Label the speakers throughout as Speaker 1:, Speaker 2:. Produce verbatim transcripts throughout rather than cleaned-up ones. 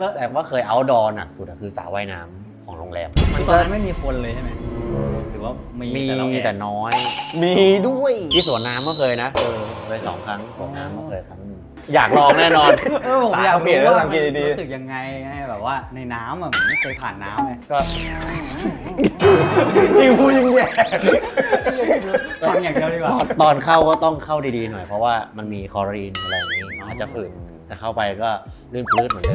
Speaker 1: แต่ว่าเคยเอาท์ดอร์หนักสุดอะคือสระว่ายน้ำของโรงแรม
Speaker 2: ตอนนั้นไม่มีคนเลยใช่ไหมหรือว่ามี
Speaker 1: มี
Speaker 2: แต่เราแอบ
Speaker 1: แต่น้อย
Speaker 3: มีด้วย
Speaker 1: ที่สวนน้ำก็เคยนะเออเคยสองครั้งสวนน้ำก็เคยครั้งหนึงอยากลองแน่นอน
Speaker 2: เออผมอยาก
Speaker 3: เปลี่ยน
Speaker 2: รู้
Speaker 3: แล้ว
Speaker 2: ว่า
Speaker 3: สังเกตดี
Speaker 2: รู้สึกยังไงไงแบบว่าในน้ำอ่ะผมไม่เคยผ่านน้ำเลย
Speaker 1: ก็
Speaker 3: ยิ่งพูดยิ่งแย่
Speaker 2: ฟังอย่างเดียวดีกว่า
Speaker 1: ตอนเข้าก็ต้องเข้าดีๆหน่อยเพราะว่ามันมีคลอรีนอะไรอย่างนี้อาจจะฝืนแต่เข้าไปก็ลื่นปลื้ดเหมือนเดิม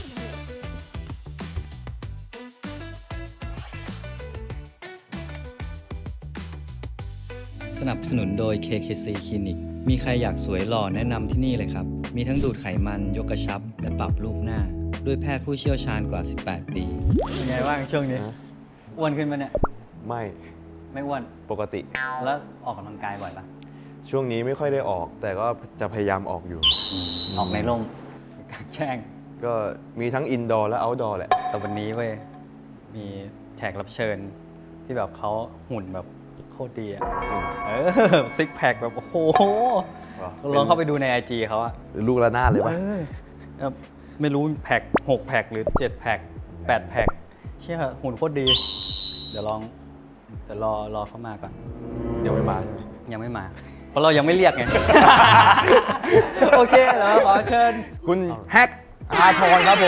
Speaker 4: สนับสนุนโดย เค เค ซี Clinic มีใครอยากสวยหล่อแนะนำที่นี่เลยครับ มีทั้งดูดไขมัน ยกกระชับ และปรับรูปหน้า ด้วยแพทย์ผู้เชี่ยวชาญกว่า สิบแปด ปี
Speaker 2: เป็นไงบ้างช่วงนี้อ้วนขึ้นปะเนี่ย
Speaker 3: ไม่
Speaker 2: ไม่อ้วน
Speaker 3: ปกติ
Speaker 2: แล้วออกกำลังกายบ่อยปะ
Speaker 3: ช่วงนี้ไม่ค่อยได้ออก แต่ก็จะพยายามออกอยู่
Speaker 2: ออกในร่มกลางแจ้ง
Speaker 3: ก็มีทั้งอินดอร์และเอาท์ดอร์แหละ
Speaker 2: แต่วันนี้เว้ยมีแขกรับเชิญที่แบบเขาหุ่นแบบโคตรดีอ่ะ
Speaker 3: จริง
Speaker 2: เออซิกแพคแบบโอ้โหลองเข้าไปดูใน ไอ จี เขาอะ
Speaker 3: ลูกระนาดเลยปะ
Speaker 2: เออแบบไม่รู้แพ็คหกแพ็คหรือเจ็ดแพ็คแปดแพ็คเชี่ยหุ่นโคตรดี เดี๋ยวลองเดี๋ยวรอรอเขามาก่อน
Speaker 3: เดี๋ยวไม่มาใช่ไหม
Speaker 2: ยังไม่มา เพราะเรายังไม่เรียกไง โอเคแล้วขอเชิญ
Speaker 3: คุณแฮกอาทรครับผม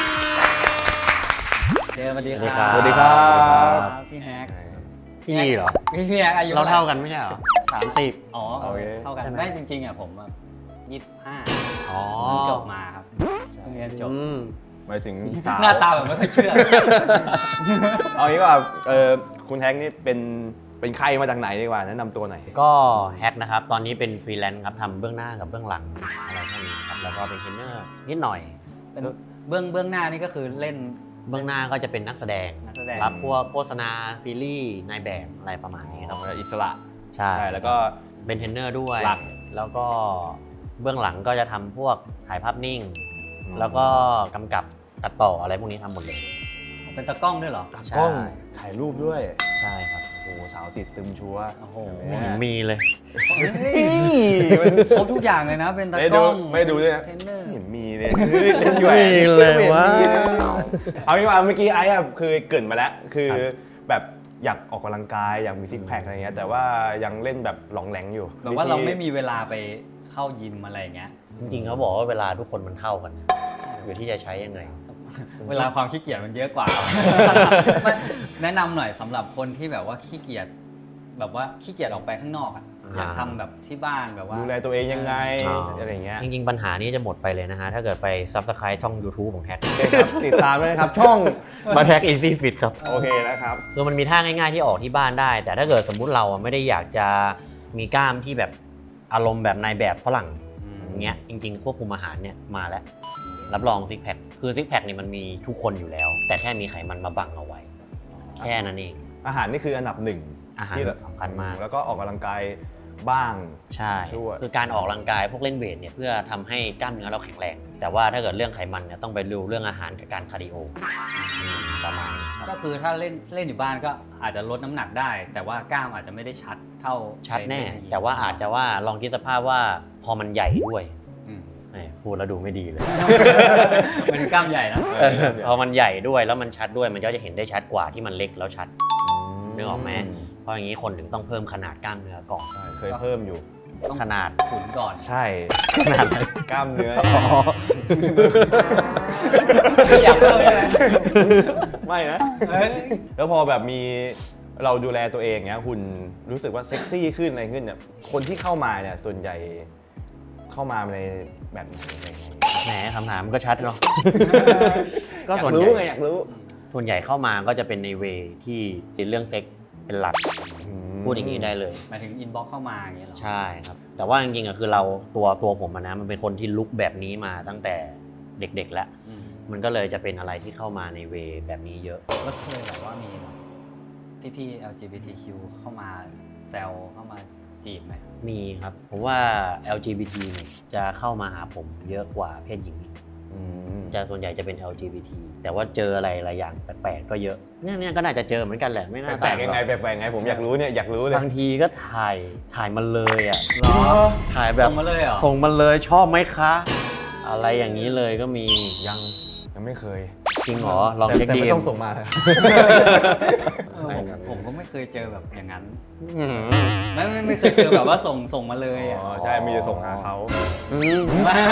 Speaker 2: เจสวัสดีค
Speaker 1: สวัสดี
Speaker 2: รับ
Speaker 1: ครับ
Speaker 2: พี่แฮก
Speaker 1: พี่เหรอ
Speaker 2: พี่พี่แฮกอายุ
Speaker 1: เรา
Speaker 2: ไห
Speaker 1: เท่ากันไม่ใช่เหรอสามสิบ
Speaker 2: อ๋อ
Speaker 3: โอเค
Speaker 2: เท่ากัน
Speaker 1: ใช่ไหม
Speaker 2: ได้จริงๆอ่ะผมยี่สิบห้า
Speaker 1: อ๋อ
Speaker 2: เพิ่งจบมาครับเพิ่งเรียนจบ
Speaker 1: อืม
Speaker 3: หมายถึงสาว
Speaker 2: หน้าตาแบบไม่ค่อยเชื่อ
Speaker 3: เอางี้ว่าเออคุณแฮกนี่เป็นเป็นใครมาจากไหนดีกว่าแนะนำตัวหน่อย
Speaker 1: ก็แฮกนะครับ ตอนนี้เป็นฟรีแลนซ์ครับทำเบื้องหน้ากับเบื้องหลังอะไรพวกนี้ครับ แล้วก็เป็นเทรนเนอร์นิดหน่อย
Speaker 2: เป็นเบื้องเบื้องหน้านี่ก็คือเล่น
Speaker 1: เบื้องหน้าก็จะเป็นนักแสดง
Speaker 2: นักแสดง
Speaker 1: รับพวกโฆษณาซีรีส์นายแบบอะไรประมาณนี้ครับ
Speaker 3: อิสระ
Speaker 1: ใช่
Speaker 3: ใช่แล้วก็
Speaker 1: เป็นเทรนเนอร์ด้วย
Speaker 3: หลัก
Speaker 1: แล้วก็เบื้องหลังก็จะทำพวกถ่ายภาพนิ่ง
Speaker 3: อืม
Speaker 1: แล้วก็กำกับตัดต่ออะไรพวกนี้ทำหมดเลย
Speaker 2: เป็นตากล้องด้วยเหรอ
Speaker 3: ตากล้องถ่ายรูปด้วย
Speaker 1: ใช่ครับ
Speaker 3: โอ้โหสาวติดตึมชัวร์
Speaker 2: โอ้โห
Speaker 1: ไม่เห็นมีเลย
Speaker 2: เฮ้ยครบทุกอย่างเลยนะ เป็นตา
Speaker 3: ไม่
Speaker 2: ก
Speaker 3: ดู
Speaker 2: ล้อง
Speaker 3: ไม่ดูด้วยนะ
Speaker 2: เทรนเนอร์
Speaker 3: ไม่เห็นมีเลยเล่นอยู่
Speaker 1: ไม่มีเลยวะ
Speaker 3: เอางี้ว่าเมื่อกี้ไอ้อะคือเกรินมาแล้ว คือ
Speaker 1: ครับ
Speaker 3: แบบอยากออกกำลังกายอยากมีซิกแพคอะไรเงี้ยแต่ว่ายังเล่นแบบหลองแหลงอยู่
Speaker 2: แบบว่าเราไม่มีเวลาไปเข้ายิมอะไรอย่างเงี้ย
Speaker 1: จริงๆเขาบอกว่าเวลาทุกคนมันเท่ากันนะอยู่ที่จะใช้ยังไง
Speaker 2: เวลาความขี้เกียจมันเยอะกว่า ไม่แนะนำหน่อยสำหรับคนที่แบบว่าขี้เกียจแบบว่าขี้เกียจออกไปข้างนอกอะ
Speaker 1: อ่า
Speaker 2: อยากทำแบบที่บ้านแบบว่า
Speaker 3: ดูแลตัวเองยังไง
Speaker 1: อ๋ออ
Speaker 3: อะไรเงี้ย
Speaker 1: จริงๆ ปัญหานี้จะหมดไปเลยนะฮะ ถ้าเกิดไป Subscribe ช่อง YouTube ของแฮก
Speaker 3: โอเคครับติดตามด้วยนะครับ ช่อง
Speaker 1: มาแฮก Easy Fit ครับ
Speaker 3: โอเคนะครับ
Speaker 1: คือมันมีท่าง่ายๆที่ออกที่บ้านได้ แต่ถ้าเกิดสมมุติเราอะไม่ได้อยากจะมีกล้ามที่แบบอารมณ์แบบนายแบบฝรั่ง
Speaker 2: อืม
Speaker 1: อย่างเงี้ยจริงๆ ควบคุมอาหารเนี่ยมาแล้ว รับรองซิกแพคคือซิกแพคเนี่ยมันมีทุกคนอยู่แล้ว แต่แค่มีไขมันมาบังเอาไว้ แค่นั้นเอง
Speaker 3: อาหารนี่คืออันดับหนึ่ง
Speaker 1: อาหาร
Speaker 3: ที่
Speaker 1: สำคัญมาก
Speaker 3: แล้วก็ออกกำลังกายบ้าง
Speaker 1: ใช่
Speaker 3: ช่วย
Speaker 1: คือการออกกำลังกายพวกเล่นเวทเนี่ยเพื่อทำให้กล้ามเนื้อเราแข็งแรง แต่ว่าถ้าเกิดเรื่องไขมันเนี่ยต้องไปดูเรื่องอาหารกับการคาร์ดิโออืมประมาณนี้ครับ
Speaker 2: ก็คือถ้าเล่นเล่นอยู่บ้านก็อาจจะลดน้ำหนักได้ แต่ว่ากล้ามอาจจะไม่ได้ชัดเท่า
Speaker 1: ชัดแน่
Speaker 2: ในยิม
Speaker 1: แต่ว่าอาจจะว่าลองคิดสภาพว่าพอมันใหญ่ด้วย
Speaker 2: อืม
Speaker 1: แหมพูดแล้วดูไม่ดีเลย
Speaker 2: มันคือกล้ามใหญ่นะ
Speaker 3: เออ
Speaker 1: พอมันใหญ่ด้วยแล้วมันชัดด้วยมันก็จะเห็นได้ชัดกว่าที่มันเล็กแล้วชัด นึกออกไหม เพราะอย่างนี้คนถึงต้องเพิ่มขนาดกล้ามเนื้อก่อน
Speaker 3: ใช่เคยเพิ่มอยู่
Speaker 2: ต้อง
Speaker 1: ขนาด
Speaker 2: ขุนก่อน
Speaker 3: ใช่ขนาดไหนกล้ามเนื้อ
Speaker 2: อยากเพิ่มเลย
Speaker 3: ไม่นะ
Speaker 2: เอ้ย
Speaker 3: แล้วพอแบบมีเราดูแลตัวเองเนี้ยหุ่นรู้สึกว่าเซ็กซี่ขึ้นอะไรขึ้นเนี่ยคนที่เข้ามาเนี่ยส่วนใหญ่เข้ามาในแบบไหนอะไรยังไง
Speaker 1: แหมคำถามมันก็ชัดเนาะ ก็
Speaker 3: อยา
Speaker 1: ส่วน
Speaker 3: ก
Speaker 1: ให
Speaker 3: รู้
Speaker 1: ญ่
Speaker 3: ไงอยากรู้
Speaker 1: ส่วนใหญ่เข้ามาก็จะเป็นในเวที่ติดเรื่องเซ็กเป็นหลัก พูดอย่างนี้ได้เลย
Speaker 2: หมายถึงอินบ็อกเข้ามาอย่างเงี้ยเหรอ
Speaker 1: ใช่ครับ แต่ว่าจริงๆอะคือเราตัวตัวผมอะนะมันเป็นคนที่ลุกแบบนี้มาตั้งแต่เด็กๆแล้ว
Speaker 2: อืม
Speaker 1: มันก็เลยจะเป็นอะไรที่เข้ามาในเวแบบนี้เยอะ
Speaker 2: แล้วเคยแบบว่ามีแบบพี่ๆ แอล จี บี ที คิว เข้ามาแซวเข้ามาจีบไหม
Speaker 1: มีครับผมว่า แอล จี บี ที เนี่ยจะเข้ามาหาผมเยอะกว่าเพศหญิงอีก
Speaker 3: อืม
Speaker 1: จะส่วนใหญ่จะเป็น แอล จี บี ที แต่ว่าเจออะไรหลายอย่างแปลกๆก็เยอะเนี่ยเนี่ยก็น่าจะเจอเหมือนกันแหละไม่น่า
Speaker 3: แปล
Speaker 1: ต่าก ง
Speaker 3: ๆยัง
Speaker 1: หร
Speaker 3: ไง
Speaker 1: อก
Speaker 3: แปลกๆยังไงผมอยากรู้เนี่ยอยากรู้เลย
Speaker 1: บางทีก็ถ่ายถ่ายมาเลยอ่ะ
Speaker 2: หรอ
Speaker 1: ถ่ายแบบ
Speaker 2: ส่งมาเลยเหรอ
Speaker 1: ส่งมาเลยชอบไหมคะ อะไรอย่างนี้เลยก็มียัง
Speaker 3: ยังไม่เคย
Speaker 1: จริงเหรอลอง
Speaker 3: แต่
Speaker 1: เช็ค
Speaker 3: แต่
Speaker 1: ดี
Speaker 3: ไม่ต้องส่งมาเลย
Speaker 2: เออผมผมก็ไม่เคยเจอแบบอย่างนั้น
Speaker 1: อืม
Speaker 2: ไม่ไม่ไม่เคยเจอแบบว่าส่งส่งมาเลยอ่ะ
Speaker 3: อ๋อใช่มีจะส่งหาเขา
Speaker 1: อืม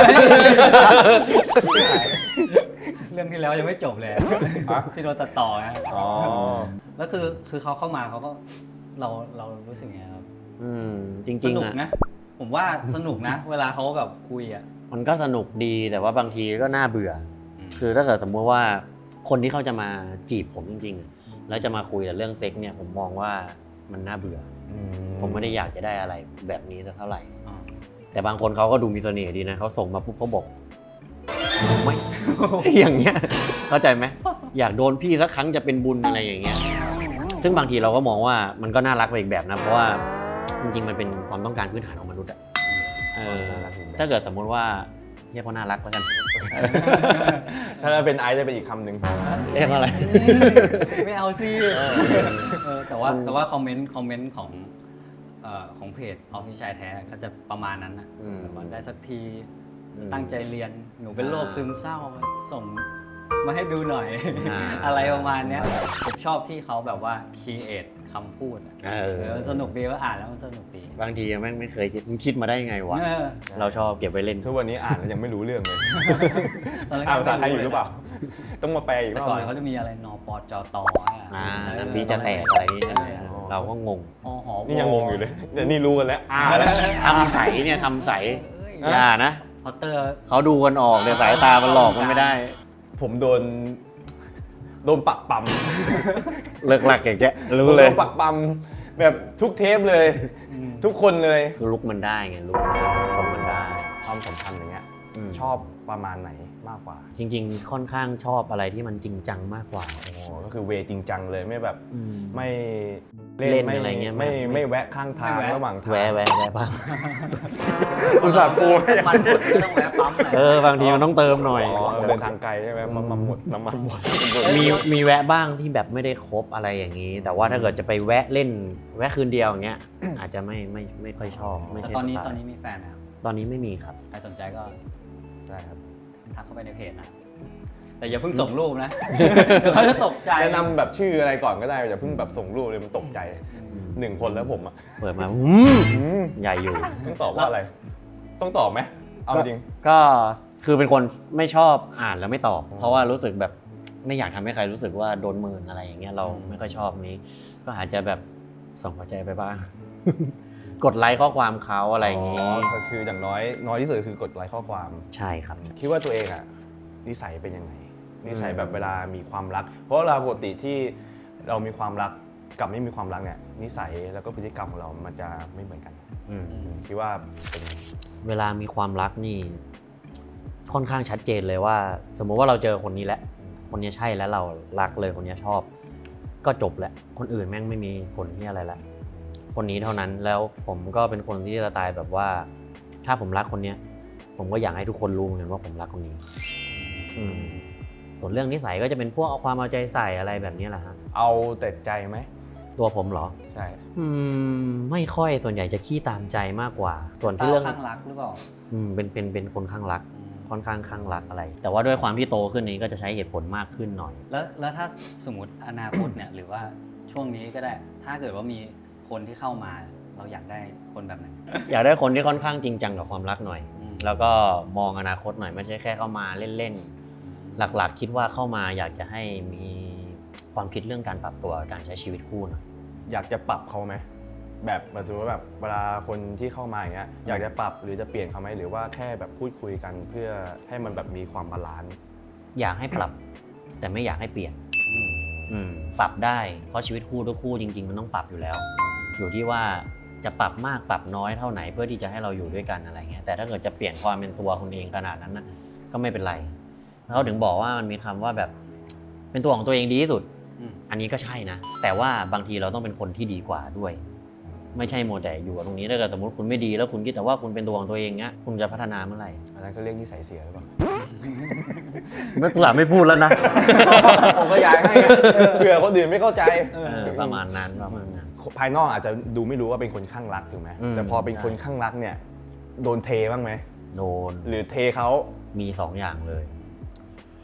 Speaker 2: เรื่องที่แล้วยังไม่จบเลยที่โดนตัดต่อนะ
Speaker 3: อ๋อ
Speaker 2: แล้วคือคือเขาเข้ามาเขาก็เราเรารู้สึกไงครับ
Speaker 1: อืมจริง
Speaker 2: ส
Speaker 1: ๆ
Speaker 2: นุก
Speaker 1: อะ
Speaker 2: นะ ผมว่าสนุกนะ เวลาเขาแบบคุยอ่ะ
Speaker 1: มันก็สนุกดีแต่ว่าบางทีก็น่าเบื่อ
Speaker 2: อืม
Speaker 1: คือถ้าเกิดสมมติว่าคนที่เขาจะมาจีบผมจริงๆอะแล้วจะมาคุยแต่เรื่องเซ็กเนี่ยผมมองว่ามันน่าเบื่อ
Speaker 3: อื
Speaker 1: ผมไม่ได้อยากจะได้อะไรแบบนี้สักเท่าไหร่
Speaker 2: อ๋อ
Speaker 1: แต่บางคนเขาก็ดูมีเสน่ห์ดีนะเขาส่งมาปุ๊บเขาบอกไม่ อย่างเงี้ยเข้าใจไหมอยากโดนพี่สักครั้งจะเป็นบุญอะไรอย่างเงี้ยซึ่งบางทีเราก็มองว่ามันก็น่ารักไปอีกแบบนะเพราะว่าจริงๆมันเป็นความต้องการพื้นฐานของมนุษย์อะเออถ้าเกิดสมมุติว่าเรียกว่าน่ารักแล้วกัน
Speaker 3: ถ้าเป็นไอซ์จะเป็นอีกคำหนึ่ง
Speaker 1: เรียกว่าอะไร
Speaker 2: ไม่เอาสิเออแต่ว่าแต่ว่าคอมเมนต์คอมเมนต์ของเอ่อของเพจออฟฟิศชายแท้ก็จะประมาณนั้นนะ
Speaker 1: อืม
Speaker 2: แบบว่าได้สักที
Speaker 1: อืม
Speaker 2: ตั้งใจเรียนหนูเป็นโรค
Speaker 1: อ่า
Speaker 2: ซึมเศร้าส่งมาให้ดูหน่อย
Speaker 1: อ่า
Speaker 2: อะไรประมาณเนี้ยผมชอบที่เขาแบบว่าคีเอทคำพูดอะ
Speaker 1: เออ
Speaker 2: เออสนุกดีว่าอ่านแล้วมันสนุกดี
Speaker 1: บางทีแม่งไม่เคยคิดมึงคิดมาได้ยังไงวะ
Speaker 2: เออ
Speaker 1: เราชอบเก็บไว้เล่น
Speaker 3: ทุกวันนี้อ่านแล้วยังไม่รู้เรื่องเลย
Speaker 2: ตอนแรก
Speaker 3: อ่านภาษาไทยอยู่หรือเปล่า ต้องมาแปลอีกร
Speaker 2: แต่
Speaker 3: อบ
Speaker 2: ก่อน
Speaker 3: นึง
Speaker 2: เขาจะมีอะไรนปจตอะ
Speaker 1: อ่า
Speaker 2: เออ
Speaker 1: น้ำบีจะแตกอะไรนี่ใช่ไหม
Speaker 2: เออ
Speaker 1: เราก็งง
Speaker 2: อหอ
Speaker 3: นี่ยังงงอยู่เลยเดี๋ยวนี่รู้กันแล้ว
Speaker 1: อ่า
Speaker 3: อ่าแล้ว
Speaker 1: ทำใสเนี่ยทำใส
Speaker 2: เอ้ย
Speaker 1: อย่านะ
Speaker 2: พอตเตอร์
Speaker 1: เขาดูกันออกแต่สายตามันหลอกมันไม่ได้
Speaker 3: ผมโดน โดนปักปั๊ม
Speaker 1: เลิกหลักอย่างเงี้ย
Speaker 3: ผม
Speaker 1: รู้
Speaker 3: โด
Speaker 1: เลย
Speaker 3: นปักปั๊มแบบทุกเทปเลย ทุกคนเลย
Speaker 1: ลุกมันได้ไงลุกส่งมันได้
Speaker 3: ความสัมพันธ์อย่างเงี้ย
Speaker 1: อืม
Speaker 3: ชอบประมาณไหนมากกว่า
Speaker 1: จริง ๆ ค่อนข้างชอบอะไรที่มันจริงจังมากกว่า
Speaker 3: โอ้ก็คือเวจริงจังเลยไม่แบบ
Speaker 1: อืม
Speaker 3: ไม่
Speaker 1: เล่นอะไรเงี้ย
Speaker 3: ไม่
Speaker 1: ไม่
Speaker 3: ไม่แวะข้างทางระหว่างทาง
Speaker 1: แวะแวะแวะบ้าง
Speaker 3: อุตส่าห์ปูให้
Speaker 2: มันหมดไม่ต้องแวะปั๊มเลย
Speaker 1: เออบางทีมันต้องเติมหน่อย
Speaker 3: อ๋อเดินทางไกลใช่ไหมน้ำมันหมดน้ำมันหมด
Speaker 1: มีมีแวะบ้างที่แบบไม่ได้ครบอะไรอย่างนี้ แต่ว่าถ้าเกิดจะไปแวะเล่น แวะคืนเดียวอย่างเงี้ย อาจจะไม่ไม่ไม่ค่อยชอบไม่
Speaker 2: แต่
Speaker 1: ใช่
Speaker 2: ตอนนี้
Speaker 1: สไล์
Speaker 2: ตอนนี้มีแฟนนะครับ
Speaker 1: ตอนนี้ไม่มีครับ
Speaker 2: ใครสนใจก็
Speaker 3: ใช่ครับ
Speaker 2: ทักเข้าไปในเพจนะ แต่อย่าเพิ่งส่งรูปนะ เดี๋ยวเขาจะตกใจ
Speaker 3: แนะนำแบบชื่ออะไรก่อนก็ได้อย่าเพิ่งแบบส่งรูปเลยมันตกใจหนึ่งคนแล้วผมอ่ะ
Speaker 1: เปิดมาอืม
Speaker 3: อืม
Speaker 1: ใหญ่อยู่
Speaker 3: ต้องตอบว่าอะไร ต้องตอบไหมเอาจริง
Speaker 1: ก็คือเป็นคนไม่ชอบอ่านแล้วไม่ตอบ เพราะว่ารู้สึกแบบไม่อยากทำให้ใครรู้สึกว่าโดนเมินอะไรอย่างเงี้ยเราไม่ค่อยชอบนี้ ก็อาจจะแบบส่งหัวใจไปบ้าง กดไลค์ข้อความเขาอะไรอย่างงี้
Speaker 3: ก็คืออย่างน้อยน้อยที่สุดคือกดไลค์ข้อความ
Speaker 1: ใช่ครับ
Speaker 3: คิดว่าตัวเองอ่ะนิสัยเป็นยังไงนิสัยแบบเวลามีความรัก เพราะเวลาปกติที่เรามีความรักกับไม่มีความรักเนี่ยนิสัยแล้วก็พฤติกรรมของเรามันจะไม่เหมือนกัน
Speaker 1: อืม
Speaker 3: คิดว่าเป็นยังไง
Speaker 1: เวลามีความรักนี่ ค่อนข้างชัดเจนเลยว่า สมมุติว่าเราเจอคนนี้แล้วคนนี้ใช่แล้วเรารักเลยคนนี้ชอบ ก็จบแล้วคนอื่นแม่งไม่มีผลที่อะไรละคนนี้เท่านั้นแล้วผมก็เป็นคนที่จะตายแบบว่า ถ้าผมรักคนเนี้ย ผมก็อยากให้ทุกคนรู้เหมือนกันว่าผมรักคนนี้ อืมส่วนเรื่องนิสัยก็จะเป็นพวกเอาความเอาใจใส่อะไรแบบนี้แหละฮะ
Speaker 3: เอาแต่ใจไหม
Speaker 1: ตัวผมเหรอ
Speaker 3: ใช่
Speaker 1: อืมไม่ค่อยส่วนใหญ่จะขี้ตามใจมากกว่า ส่วน
Speaker 2: เต้า
Speaker 1: ที่เรื่อง
Speaker 2: ข้างรักหรือเปล่า
Speaker 1: อืมเป็นเป็นเป็นคนข้างรัก
Speaker 2: อืม
Speaker 1: ค่อนข้างข้างรักอะไร แต่ว่าด้วยความที่โตขึ้นนี้ก็จะใช้เหตุผลมากขึ้นหน่อย
Speaker 2: แล้วแล้วถ้าสมมติอนาคตเนี่ย หรือว่าช่วงนี้ก็ได้ ถ้าเกิดว่ามีคนที่เข้ามา เราอยากได้คนแบบไหน
Speaker 1: อยากได้คนที่ค่อนข้างจริงจังกับความรักหน่อย
Speaker 2: อืม
Speaker 1: แล้วก็มองอนาคตหน่อยไม่ใช่แค่เข้ามาเล่นๆ หลักๆ คิดว่าเข้ามาอยากจะให้มีความคิดเรื่องการปรับตัวการใช้ชีวิตคู่หน่อย
Speaker 3: อยากจะปรับเขาไหมแบบสมมติว่าแบบเวลาคนที่เข้ามาอย่างเงี้ยอยากจะปรับหรือจะเปลี่ยนเขาไหมหรือว่าแค่แบบพูดคุยกันเพื่อให้มันแบบมีความบาลานซ์
Speaker 1: อยากให้ปรับ แต่ไม่อยากให้เปลี่ยน
Speaker 2: อืม
Speaker 1: อืมปรับได้เพราะชีวิตคู่ทุกคู่จริง ๆ มันต้องปรับอยู่แล้ว อยู่ที่ว่าจะปรับมากปรับน้อยเท่าไหนเพื่อที่จะให้เราอยู่ด้วยกันอะไรเงี้ยแต่ถ้าเกิดจะเปลี่ยนความเป็นตัวคนเองขนาดนั้นนะก็ไม่เป็นไรแล้วเขาถึงบอกว่ามันมีคำว่าแบบเป็นตัวของตัวเองดีที่สุด
Speaker 2: อืม
Speaker 1: อันนี้ก็ใช่นะแต่ว่าบางทีเราต้องเป็นคนที่ดีกว่าด้วย ไม่ใช่โมแต่อยู่กับตรงนี้ถ้าเกิดสมมติคุณไม่ดีแล้วคุณคิดแต่ว่าคุณเป็นตัวของตัวเองเงี้ยคุณจะพัฒนาเมื่อไหร่
Speaker 3: อันนั้นก็เรียกนิสัยเสียหรือเปล่า
Speaker 1: ไม่ตัวไม่พูดแล้วนะ
Speaker 3: ผมก็อยากให้เผื่อคนอื่นไม่เข้าใจ
Speaker 1: เออประมาณนั้นประมาณนั้น
Speaker 3: ภายนอกอาจจะดูไม่รู้ว่าเป็นคนข้างรักถูกไหม
Speaker 1: อืม
Speaker 3: แต่พอเป็นคนข้างรักเนี่ยโดนเทบ้างไหม
Speaker 1: โดน
Speaker 3: หรือเทเขา
Speaker 1: มีสองอย่างเลย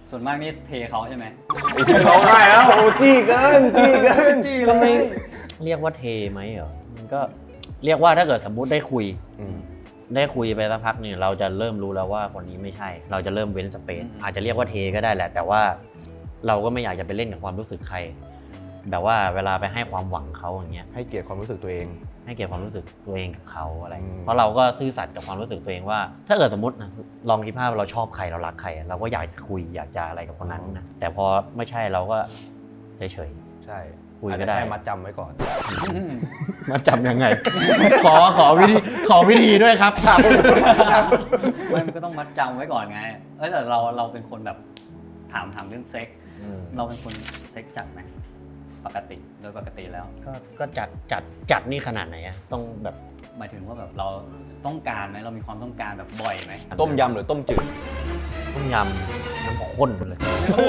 Speaker 2: ส่วนมากนี่เทเขาใช่ไหม
Speaker 3: ร้องไห้แล้วโอ้จี้เกินจี้เกิน
Speaker 1: ก็ไม่เรียกว่าเทไหมเหรอมันก็เรียกว่าถ้าเกิดสมมุติได้คุย
Speaker 3: อืม
Speaker 1: ได้คุยไปสักพักเนี่ยเราจะเริ่มรู้แล้วว่าคนนี้ไม่ใช่ เราจะเริ่มเว้นสเปซ
Speaker 2: อืม
Speaker 1: อาจจะเรียกว่าเทก็ได้แหละ แต่ว่าเราก็ไม่อยากจะไปเล่นกับความรู้สึกใคร แบบว่าเวลาไปให้ความหวังเขาอย่างเงี้ย
Speaker 3: ให้เกียรติความรู้สึกตัวเอง
Speaker 1: ให้เกียรติความรู้สึกตัวเองกับเขาอะไร
Speaker 3: อืม
Speaker 1: เพราะเราก็ซื่อสัตย์กับความรู้สึกตัวเองว่า ถ้าเกิดสมมตินะลองคิดภาพว่าเราชอบใครเรารักใคร เราก็อยากจะคุยอยากจะอะไรกับคนนั้นนะแต่พอไม่ใช่เราก็เฉย
Speaker 3: ใช่
Speaker 1: คุยก็
Speaker 3: อาจจะ
Speaker 1: ได้
Speaker 3: แค่มัดจำไว้ก่อน
Speaker 1: ๆมาจำยังไง ขอขอวิธีขอวิธีด้วยครับ
Speaker 2: ไม่มันก็ต้องมัดจำไว้ก่อนไง เอ้ยแต่เราเราเป็นคนแบบถามถามเรื่องเซ็ก เราเป็นคนเซ็กจัดไหมปกติโดยปกติแล้ว
Speaker 1: ก็ก็จัดจัดจัดนี่ขนาดไหนอะต้องแบบ
Speaker 2: หมายถึงว่าแบบเราต้องการไหมเรามีความต้องการแบบบ่อยไหม
Speaker 3: ต้มยำหรือต้มจืด
Speaker 1: ต้มยำน้ำข้นเลย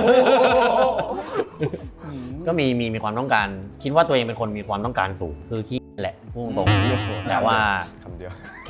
Speaker 1: ก็มีมีมีความต้องการ คิดว่าตัวเองเป็นคนมีความต้องการสูง คือขี้แหละพูดตรงๆแต่ว่า
Speaker 3: คำเดียว
Speaker 1: แค่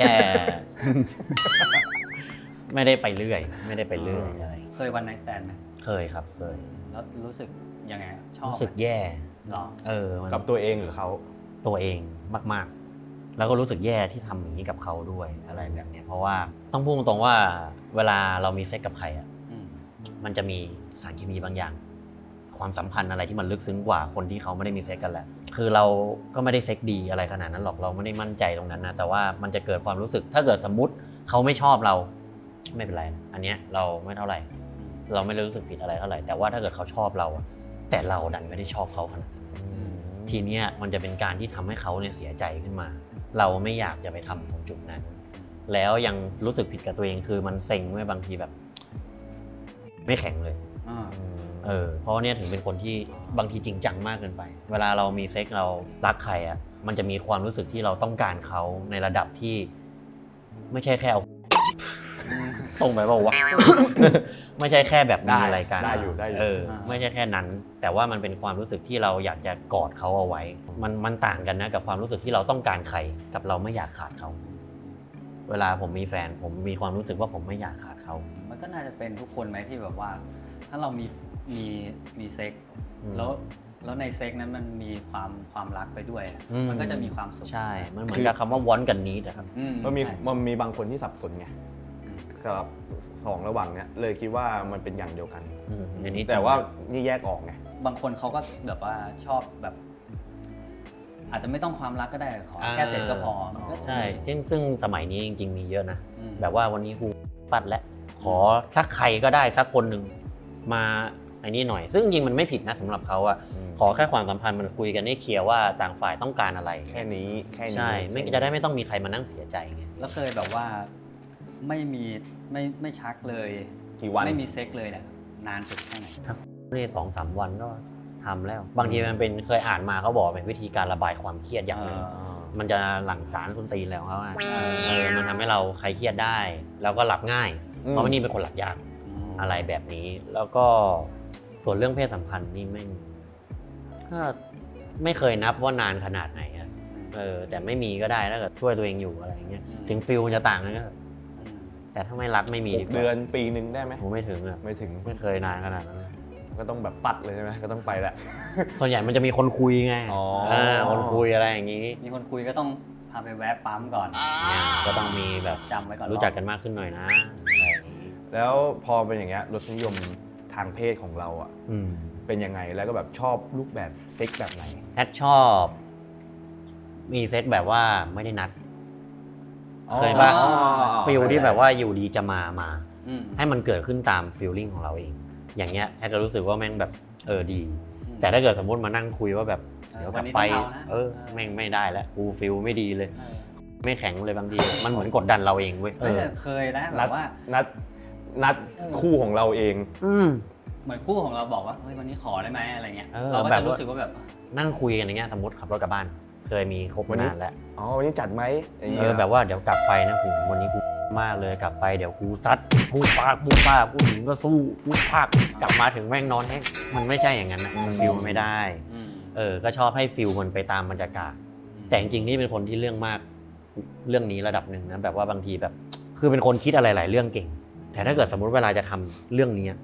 Speaker 1: ไม่ได้ไปเรื่อย ไม่ได้ไปเรื่อยอะไร
Speaker 2: เคยวันไนท์สแตนไหม
Speaker 1: เคยครับเคย
Speaker 2: แล้วรู้สึกยังไงชอบ
Speaker 1: รู้สึก
Speaker 2: ไหม
Speaker 1: แย่
Speaker 2: หรอ
Speaker 1: เออมัน
Speaker 3: กับตัวเองหรือเขา
Speaker 1: ตัวเองมากๆ แล้วก็รู้สึกแย่ที่ทำอย่างนี้กับเขาด้วยอะไรแบบเนี้ยเพราะว่าต้องพูดตรงๆว่าเวลาเรามีเซ็กกับใครอ่ะ
Speaker 2: อืม
Speaker 1: มันจะมีสารเคมีบางอย่าง ความสัมพันธ์อะไรที่มันลึกซึ้งกว่าคนที่เขาไม่ได้มีเซ็กกันแหละคือเราก็ไม่ได้เซ็กดีอะไรขนาดนั้นหรอกเราไม่ได้มั่นใจตรงนั้นนะแต่ว่ามันจะเกิดความรู้สึก ถ้าเกิดสมมุติเขาไม่ชอบเราไม่เป็นไรนะอันเนี้ยเราไม่เท่าไหร่ เราไม่ได้รู้สึกผิดอะไรเท่าไหร่แต่ว่าถ้าเกิดเขาชอบเราอะแต่เราดันไม่ได้ชอบเขาขนาดนั้นทีเนี้ยมันจะเป็นการที่ทำให้เขาเนี่ยเสียใจขึ้นมา เราไม่อยากจะไปทำตรงจุดนั้น แล้วยังรู้สึกผิดกับตัวเองคือมันเซ็งเมื่อบางทีแบบ ไม่แข็งเลย
Speaker 2: อ่า
Speaker 1: เออเพราะว่าเนี่ยถึงเป็นคนที่บางทีจริงจังมากเกินไป เวลาเรามีเซ็กเรารักใครอ่ะมันจะมีความรู้สึกที่เราต้องการเขาในระดับที่ ไม่ใช่แค่เอา ตรงไปเปล่าวะ ไม่ใช่แค่แบบมีอะไรกัน
Speaker 3: ได้อยู่ได้อยู่
Speaker 1: เออไม่ใช่แค่นั้น แต่ว่ามันเป็นความรู้สึกที่เราอยากจะกอดเขาเอาไว้ มันมันต่างกันนะกับความรู้สึกที่เราต้องการใครกับเราไม่อยากขาดเขา เวลาผมมีแฟนผมมีความรู้สึกว่าผมไม่อยากขาดเขา
Speaker 2: มันก็น่าจะเป็นทุกคนไหมที่แบบว่า ถ้าเรามีมีมีเซ็ก
Speaker 1: อืม
Speaker 2: แล้วแล้วในเซ็กนั้นมันมีความความรักไปด้วยอะ
Speaker 1: อืม
Speaker 2: มันก็จะมีความสุข
Speaker 1: ใช่ มันเหมือนกับคำว่าวอนกันนี้นะครับ
Speaker 2: อื
Speaker 3: มันมี
Speaker 2: ใช่
Speaker 3: มันมีบางคนที่สับสนไง
Speaker 2: อืม
Speaker 3: กับสองระหว่างเนี้ยเลยคิดว่ามันเป็นอย่างเดียวกัน
Speaker 1: อืมอันนี้
Speaker 3: แต่ว่านี่แยกออกไง
Speaker 2: บางคนเขาก็แบบว่าชอบแบบ อาจจะไม่ต้องความรักก็ได้ขอแค่เสร็จก็พอมันก็
Speaker 1: ใช่ซึ่งซึ่งสมัยนี้จริงๆมีเยอะนะ
Speaker 2: อืม
Speaker 1: แบบว่าวันนี้กูปัดแล้วขอสักใครก็ได้สักคนหนึ่งมาไอ้นี่หน่อย ซึ่งจริงๆมันไม่ผิดนะสำหรับเขาอะ
Speaker 3: อืม
Speaker 1: ขอแค่ความสัมพันธ์มันคุยกันให้เคลียร์ว่าต่างฝ่ายต้องการอะไร
Speaker 3: แค่นี้แค่นี้
Speaker 1: ใช่ไม่จะได้ไม่ต้องมีใครมานั่งเสียใจไง
Speaker 2: แล้วเคยแบบว่าไม่มีไม่ไม่ชักเลย
Speaker 3: กี่วัน
Speaker 2: ไม่มีเซ็กเลยเนี่ยนานสุดแค่ไหน
Speaker 1: นี่สองสามวันก็ทำแล้ว บางทีมันเป็นเคยอ่านมาเขาบอกเป็นวิธีการระบายความเครียดอย่างหนึ่ง
Speaker 3: อ่า
Speaker 1: มันจะหลั่งสารคุณตีนแล้วเขาอะเออมันทำให้เราคลายเครียดได้ แล้วก็หลับง่าย
Speaker 3: อืม
Speaker 1: เพราะว่านี่เป็นคนหลับยากอะไรแบบนี้ แล้วก็ส่วนเรื่องเพศสัมพันธ์นี่ไม่ก็ไม่เคยนับว่านานขนาดไหนอะเออแต่ไม่มีก็ได้ถ้าเกิดช่วยตัวเองอยู่อะไรอย่างเงี้ย
Speaker 2: อืม
Speaker 1: ถึงฟิลมันจะต่างกันก็
Speaker 2: อืม
Speaker 1: แต่ถ้าไม่รักไม่มี
Speaker 3: ห
Speaker 1: ดี
Speaker 3: ก
Speaker 1: กว่า
Speaker 3: เดือนปีหนึ่งได้ไหม
Speaker 1: ผมไม่ถึงอะ
Speaker 3: ไม่ถึง
Speaker 1: ไม่เคยนานขนาดนั้น
Speaker 3: ก็ต้องแบบปัดเลยใช่ไหมก็ต้องไปแล้ว
Speaker 1: ส่วนใหญ่มันจะมีคนคุยไง
Speaker 3: อ๋อ
Speaker 1: เออคนคุยอะไรอย่างนี้
Speaker 2: มีคนคุยก็ต้องพาไปแวะปั๊มก่อน
Speaker 1: เนี่ยก็ต้องมีแบบ
Speaker 2: จำไว้ก่อน
Speaker 1: รู้จักกันมากขึ้นหน่อยนะอะไรอย่างนี้
Speaker 3: แล้วพอเป็นอย่างเงี้ยรสนิยมทางเพศของเราอ่ะ
Speaker 1: อืม
Speaker 3: เป็นยังไงแล้วก็แบบชอบรูปแบบเซ็กแบบไหน
Speaker 1: แอดชอบ มีเซตแบบว่าไม่ได้นัด เคยปะ
Speaker 3: อ๋อ
Speaker 1: ฟิลที่แบบว่าอยู่ดีจะมามา
Speaker 2: อืม
Speaker 1: ให้มันเกิดขึ้นตามฟีลลิ่งของเราเอง อย่างเงี้ยแอดจะรู้สึกว่าแม่งแบบเออดี
Speaker 2: อืม
Speaker 1: แต่ถ้าเกิดสมมติมานั่งคุยว่าแบบ
Speaker 2: เออ
Speaker 1: เดี๋ยวก
Speaker 2: วั
Speaker 1: ลั
Speaker 2: น
Speaker 1: บ
Speaker 2: นี้
Speaker 1: ไป
Speaker 2: ต้องเอานะ
Speaker 1: เออ
Speaker 2: เออ
Speaker 1: แม่งไม่ได้แล้วกูฟิลไม่ดีเลย
Speaker 2: เออ
Speaker 1: ไม่แข็งเลยบางที มันเหมือนกดดันเราเองเว้ยเอ
Speaker 2: เอ
Speaker 1: อ
Speaker 2: อเคยนะแบ
Speaker 3: นัด
Speaker 2: บว่า
Speaker 3: นัดนัด
Speaker 2: เออ
Speaker 3: คู่ของเราเอง
Speaker 1: อืม
Speaker 2: เหมือนคู่ของเราบอกว่าเฮ้ยวันนี้ขอได้ไหมอะไรเงี้ย
Speaker 1: เออ
Speaker 2: เราก็
Speaker 1: แบบ
Speaker 2: จะ
Speaker 1: ว่า
Speaker 2: รู้สึกว่าแบบ
Speaker 1: นั่งคุยกันอย่างเงี้ยสมมติขับรถกลับบ้าน เคยมีคบ
Speaker 3: วันนี้
Speaker 1: นานแล้ว
Speaker 3: อ๋อวันนี้จัดไหมอย่าง
Speaker 1: เอ
Speaker 3: เงี้
Speaker 1: อย แบบว่าเดี๋ยวกลับไปนะผมวันนี้กูมากเลยกลับไปเดี๋ยวกูซัดกูปากกูปากกูหญิงก็สู้กูปากกลับมาถึงแม่งนอนแห้งมันไม่ใช่อย่างนั้นนะมันฟิลมันไม่ได้
Speaker 2: อืม
Speaker 1: เออก็ชอบให้ฟิลมันไปตามบรรยากาศ แต่จริงๆนี่เป็นคนที่เรื่องมากเรื่องนี้ระดับหนึ่งนะแบบว่าบางทีแบบ คือเป็นคนคิดอะไรหลายเรื่องเก่ง แต่ถ้าเกิดสมมุติเวลาจะทำเรื่องนี้ช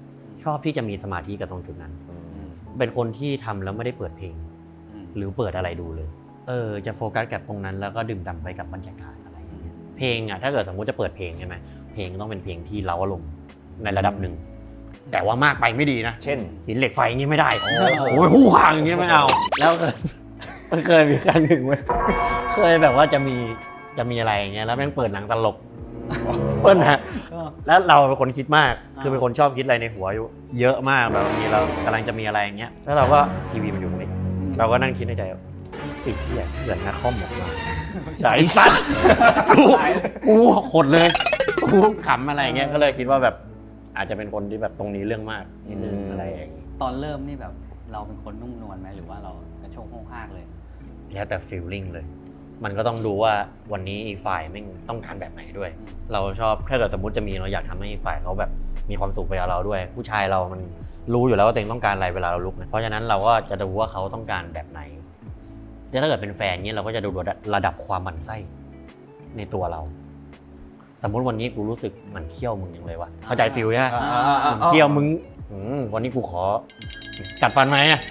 Speaker 1: ชอบที่จะมีสมาธิกับตรงจุดนั้น เป็นคนที่ทำแล้วไม่ได้เปิดเพลง
Speaker 2: อืม
Speaker 1: หรือเปิดอะไรดูเลย เออ จะโฟกัสกับตรงนั้นแล้วก็ดื่มด่ำไปกับบรรยากาศอะไรอย่างเงี้ย เพลงอ่ะถ้าเกิดสมมติจะเปิดเพลงใช่ไหมเพลงต้องเป็นเพลงที่เร้าอารมณ์ในระดับหนึ่ง แต่ว่ามากไปไม่ดีนะ
Speaker 3: เช่น
Speaker 1: หินเหล็กไฟอย่างงี้ไม่ได้ โอ้ยผู้ขางอย่างงี้ไม่เอา แล้วเคยมันเคยมีครั้งหนึ่งเว้ยเคยแบบว่าจะมีจะมีอะไรอย่างเงี้ยแล้วแม่งเปิดหนังตลกเปิ้ลฮะ
Speaker 2: ก็
Speaker 1: แล้วเราเป็นคนคิดมาก
Speaker 2: อ่า
Speaker 1: คือเป็นคนชอบคิดอะไรในหัวอยู่เยอะมากแบบบางทีเรากำลังจะมีอะไรอย่างเงี้ย แล้วเราก็ทีวีมันอยู่ตรงนี้ เราก็นั่งคิดในใจว่าติดที่เกิดนาคอมออกมาไอ้สัตว์กูกูขดเลยกูขำอะไรอย่างเงี้ย ก็เลยคิดว่าแบบอาจจะเป็นคนที่แบบตรงนี้เรื่องมากนิดนึง
Speaker 3: อืม
Speaker 1: อะไรอย่างเงี้ย
Speaker 2: ตอนเริ่มนี่แบบเราเป็นคนนุ่มนวลไหมหรือว่าเรากระโชกโห้งห้ากเลย
Speaker 1: แล้วแต่ฟีลลิ่งเลย มันก็ต้องดูว่าวันนี้อีกฝ่ายแม่งต้องการแบบไหนด้วย
Speaker 2: อืม
Speaker 1: เราชอบถ้าเกิดสมมติจะมีเราอยากทำให้อีกฝ่ายเขาแบบมีความสุขไปกับเราด้วย ผู้ชายเรามันรู้อยู่แล้วว่าตัวเองต้องการอะไรเวลาเราลุกนะเพราะฉะนั้นเราก็จะดูว่าเขาต้องการแบบไหนแล้วถ้าเกิดเป็นแฟนเนี่ยเราก็จะดูระดับความหมั่นไส้ในตัวเรา สมมุติวันนี้กูรู้สึกหมั่นเคี้ยวมึงยังเลยวะเข้าใจฟีลใช่ไหม
Speaker 3: อ่าอ่าอ่า
Speaker 1: หมั่นเคี้ยวมึงอืมวันนี้กูขอกัดฟันไหมอะ